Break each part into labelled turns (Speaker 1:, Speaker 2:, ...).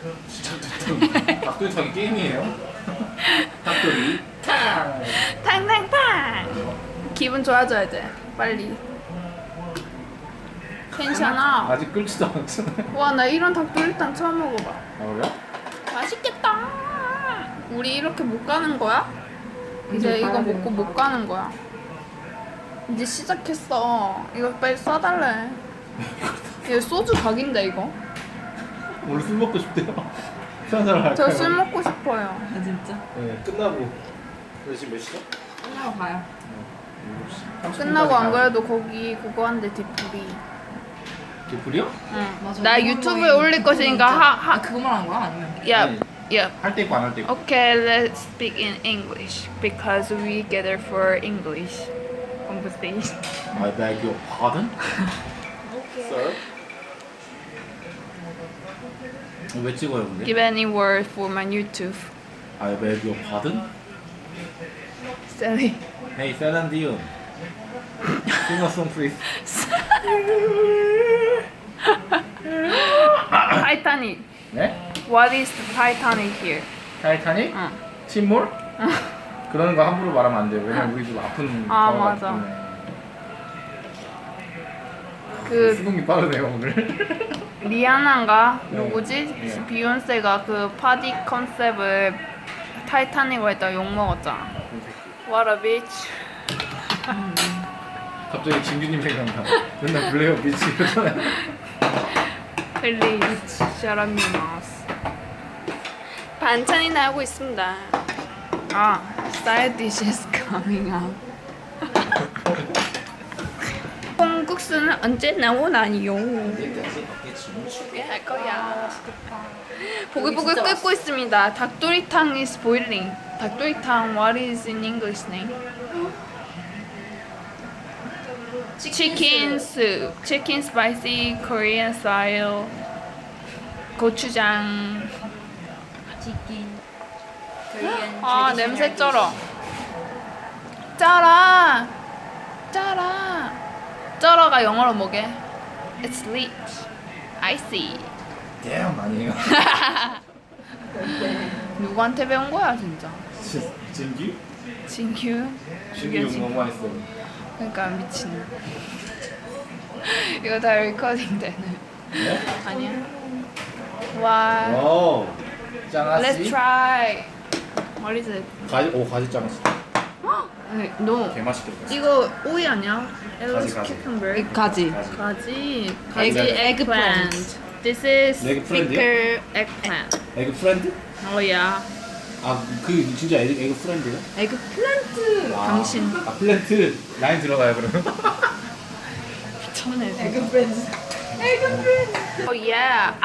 Speaker 1: 닭도리탕이 게임이에요? 닭도리 탕!
Speaker 2: 탕탕탕. 기분 좋아져야 돼. 빨리. 괜찮아.
Speaker 1: 아직 끓지도 않았잖아요.
Speaker 2: 와, 나 이런 닭도리탕 처음 먹어봐.
Speaker 1: 아 그래?
Speaker 2: 맛있겠다. 우리 이렇게 못 가는 거야? 이제 이거 먹고 못 가는 거야. 이제 시작했어. 이거 빨리 쏴달래. 이거 소주 각인데 이거.
Speaker 1: 오늘 술 먹고 싶대요. 술 한잔 할까요?
Speaker 2: 저 술 먹고 싶어요.
Speaker 3: 아 진짜?
Speaker 1: 네 끝나고. 그래 지금 몇 시죠?
Speaker 3: 끝나고 가요.
Speaker 1: 7시.
Speaker 2: 끝나고 안 그래도 거기 그거 한대 뒤풀이.
Speaker 1: 개풀이요?
Speaker 2: 응.
Speaker 3: 맞아.
Speaker 2: 나 유튜브에 올릴 것이니까
Speaker 3: 아 그거만 한 거야? 아니면?
Speaker 2: 야, 야.
Speaker 1: 할 때 있고 안 할 때 있고.
Speaker 2: Okay, let's speak in English because we gather for English conversation.
Speaker 1: I beg your pardon? Sir? 왜 찍어요 근데?
Speaker 2: Give any word for my YouTube.
Speaker 1: I beg your pardon?
Speaker 2: Sorry.
Speaker 1: Hey, Celine Dion. Sing a song please.
Speaker 2: Titanic.
Speaker 1: 네?
Speaker 2: What is the Titanic here?
Speaker 1: 타이타닉?
Speaker 2: 응.
Speaker 1: 침몰? 그런 거 함부로 말하면 안 돼요. 왜냐면 우리 집 아픈
Speaker 2: 아,
Speaker 1: 경우가
Speaker 2: 맞아.
Speaker 1: 때문에.
Speaker 2: 그
Speaker 1: 수긍이 빠르네요 오늘.
Speaker 2: 리아나인가
Speaker 1: 네.
Speaker 2: 누구지?
Speaker 1: 네.
Speaker 2: 비욘세가 그 파티 컨셉을 타이타닉으로 했다 욕 먹었잖아. What a bitch.
Speaker 1: 갑자기 진규님 생각나. 맨날 블레어 비치 이러잖아요.
Speaker 2: Please shut up your mouth. 반찬이 나오고 있습니다. 아, side dishes coming out. 콩국수는 언제 나오나요? 할 거야. 보글보글 끓고 있습니다. 닭도리탕 is boiling. 닭도리탕 what is in English name? Chicken soup. Chicken spicy Korean style. 고추장.
Speaker 3: 치킨.
Speaker 2: 아 냄새 쩔어. 쩔어. 쩔어. 쩔어가 영어로 뭐게? It's lit. Icy.
Speaker 1: damn 아니에요?
Speaker 2: 누구한테 배운 거야 진짜?
Speaker 1: 진규?
Speaker 2: 진규?
Speaker 1: 진규 욕 너무 많이 써.
Speaker 2: 그러니까 미친. 이거 다 리코딩 되는.
Speaker 1: 네?
Speaker 2: 아니야? 와.
Speaker 1: 오, 짱아씨.
Speaker 2: Let's try. What is it?
Speaker 1: 가지 짱아씨.
Speaker 2: 아니, no.
Speaker 1: 개 맛있겠다.
Speaker 2: 이거 오이 아니야? Ellis
Speaker 1: 가지.
Speaker 2: cucumber.
Speaker 3: 가지.
Speaker 2: 가지.
Speaker 1: 가지.
Speaker 2: eggplant. This is
Speaker 1: Eggplant?
Speaker 2: thicker eggplant.
Speaker 1: 에그 프렌드?
Speaker 2: Oh yeah.
Speaker 1: 아그 진짜 에그 프렌드요?
Speaker 3: 에그 플란트.
Speaker 2: 당신.
Speaker 1: 아 플랜트 라인 들어가요 그러면?
Speaker 2: 미쳤네.
Speaker 3: 에그 프렌즈.
Speaker 2: Oh yeah.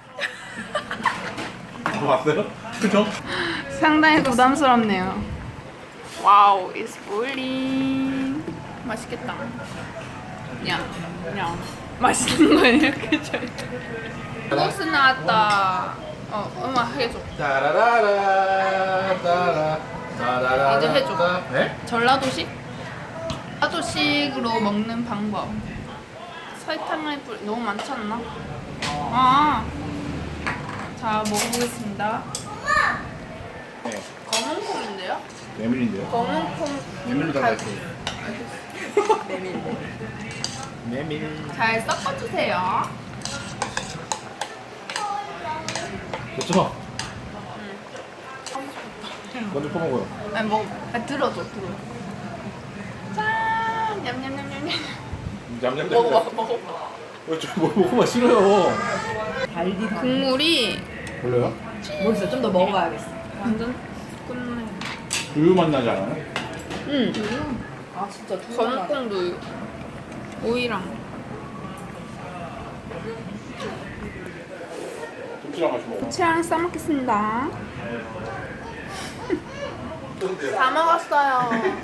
Speaker 1: 봤어요? 그죠?
Speaker 2: 상당히 부담스럽네요. 와우, it's boiling. 맛있겠다. 야, 야. 맛있는 거 이렇게 줘. 소스 나왔다. 음악 해줘.
Speaker 1: 따라라라 따라 따라라.
Speaker 2: 이제 해줘.
Speaker 1: 네?
Speaker 2: 전라도식? 전라도식으로 먹는 방법. 설탕을 너무 많지 않나? 아. 자, 먹어보겠습니다.
Speaker 1: 네.
Speaker 2: 검은 콩인데요?
Speaker 1: 메밀인데요?
Speaker 2: 검은 콩.
Speaker 1: 메밀로 달라있어요. 메밀.
Speaker 2: 잘 섞어주세요.
Speaker 1: 그렇죠? 먼저 퍼먹어요.
Speaker 2: 아니 먹어. 들어줘. 짠. 냠냠냠냠냠.
Speaker 1: 냠냠.
Speaker 2: 먹어봐.
Speaker 1: 먹어봐 싫어요.
Speaker 3: 달디 달.
Speaker 2: 국물이
Speaker 1: 별로요?
Speaker 3: 모르겠어. 좀 더 먹어봐야겠어.
Speaker 2: 완전 끝내.
Speaker 1: 우유 맛 나지 않아요?
Speaker 2: 응.
Speaker 3: 아 진짜
Speaker 2: 검은 콩도 오이랑.
Speaker 1: 김치랑 같이 먹어.
Speaker 2: 고추랑 싸먹겠습니다. 다 먹었어요.